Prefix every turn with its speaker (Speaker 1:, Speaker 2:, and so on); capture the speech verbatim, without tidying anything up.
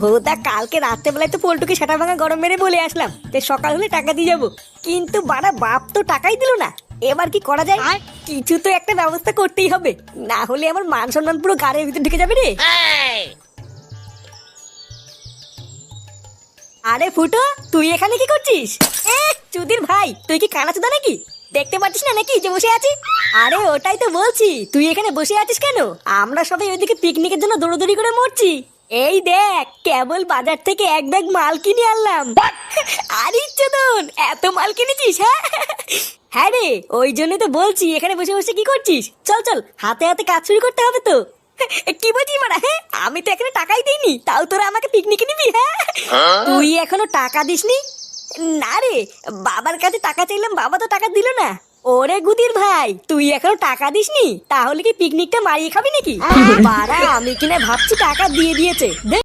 Speaker 1: ভোদা কালকে রাত্রেবেলায় তো পল্টুকে সেটা ভাঙা গরম মেরে বলে আসলাম যে সকাল হলে টাকা দিয়ে যাবো, কিন্তু বাড়া বাপ তো টাকাই দিল না। এবার কি করা যায়? কিছু তো একটা ব্যবস্থা করতেই হবে, না হলে আমার মান সম্মান পুরো গাড়ির ভিতর ঢুকে যাবে রে। আরে ফুটো, তুই এখানে কি করছিস? এ চুদির ভাই, তুই কি কানা চুদা নাকি? দেখতে পাচ্ছিস না নাকি যে বসে আছি? আরে ওটাই তো বলছি, তুই এখানে বসে আছিস কেন? আমরা সবাই ওইদিকে পিকনিকের জন্য দৌড়দৌড়ি করে মরছি। এই দেখ, কেবল বাজার থেকে এক ব্যাগ মাল কিনে আনলাম। আরে চোদন, এত মাল কিনেছিস? হ্যাঁ হ্যাঁ রে, ওই জন্যই তো বলছি এখানে বসে বসে কি করছিস। চল চল, হাতে হাতে কাজ শুরু করতে হবে তো। কি বলছিস মারা? হ্যাঁ, আমি তো এখানে টাকাই দিইনি, তাও তোরা আমাকে পিকনিকে নিবি? হ্যাঁ, তুই এখনো টাকা দিসনি? না রে, বাবার কাছে টাকা চাইলাম, বাবা তো টাকা দিল না। ওরে গুদির ভাই, তুই এখনো টাকা দিসনি? তাহলে কি পিকনিকটা মারিয়ে খাবি নাকি? বাড়া, আমি কিনা ভাবছি টাকা দিয়ে দিয়েছে।